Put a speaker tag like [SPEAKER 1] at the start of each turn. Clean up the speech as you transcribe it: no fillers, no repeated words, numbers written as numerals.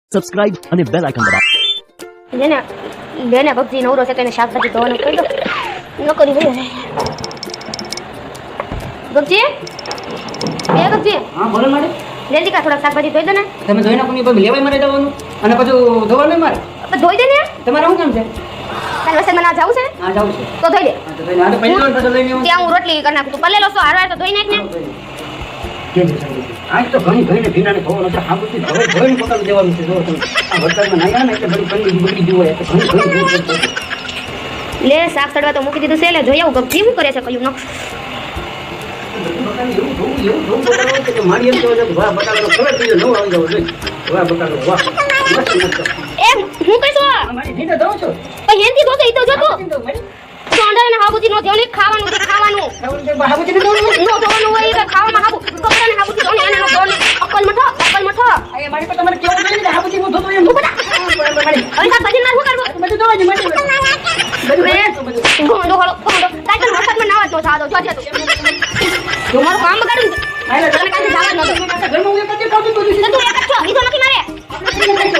[SPEAKER 1] Subscribe અને bell icon દબાવો.
[SPEAKER 2] જેને ભક્તિ નવરો છે તેને શાકભાજી ધોવાનું કહી દો. ન કરી ભાઈ ભક્તિ ભક્તિ
[SPEAKER 3] હા બોલો મારે
[SPEAKER 2] જલ્દી કા થોડા શાકભાજી ધોઈ દે ને.
[SPEAKER 3] તમે ધોઈ નાખો ને પછી લેવાય મારે જવાનું અને પછી ધોવાનું મારે
[SPEAKER 2] ધોઈ દે ને.
[SPEAKER 3] તમારે શું કામ છે?
[SPEAKER 2] કાલ વરસાદમાં ના જાવું છે ને
[SPEAKER 3] હા જાઉં છે
[SPEAKER 2] તો ધોઈ દે.
[SPEAKER 3] હા તો ધોઈ નાખ. પહેલી વાર તો લઈને
[SPEAKER 2] ત્યાં હું રોટલી કરી નાખું તું પલ્લેલો છો હારવાર તો ધોઈ નાખ ને.
[SPEAKER 3] આજ તો ઘણી ધોઈને ભીનાને ધોવાનું છે. આ બધું ધોઈને પોતાનું દેવાનું છે. જો તમે આ વરસાદમાં નાયા ને એટલે બધી બગડી ગયું હોય એટલે ઘણી
[SPEAKER 2] લે શાક સડવા તો મૂકી દીધું છે એટલે જોઈ આવું ભક્તિ શું કરે છે કયું ન
[SPEAKER 3] એવું ધોવું બતાવો કે મારી એમ કહેવાય કે વાહ બટાકાનો ખબર થઈ નવો આવી જાવ જોઈએ. વાહ બટાકો વાહ મસ્ત મસ્ત.
[SPEAKER 2] એ હું કઈছো
[SPEAKER 3] મારી ધીરે ધોઉં છું.
[SPEAKER 2] પણ હેંતી ધોતે ઈ તો જો તું
[SPEAKER 3] તો મારી
[SPEAKER 2] સોંડા ને હાબુજી નો ધોને ખાવાનું છે ખાવાનું
[SPEAKER 3] બાબુજી ને ધોવું
[SPEAKER 2] નો ધોવાનું હોય કે ખાવામાં હાબુ કપડાને હાબુજી ધોને એને નો ધોને અક્કલ મઠો
[SPEAKER 3] આ મારી પર તમારે કેવું જોઈએ ને બાબુજી હું ધોતો એમ
[SPEAKER 2] હવે શાકભાજી ના શું કરવું
[SPEAKER 3] બધું ધોવા જ મારી
[SPEAKER 2] ગોંડો હળો ગોંડો કાઈ તો વરસાદમાં નાવા તો સાદો જો છે તું મારું કામ બગાડું તને કાઈ જવા ન દો
[SPEAKER 3] ઘરમાં હું એક જ કામ કરું છું.
[SPEAKER 2] તું એક જ છો ઈ તો નથી મારે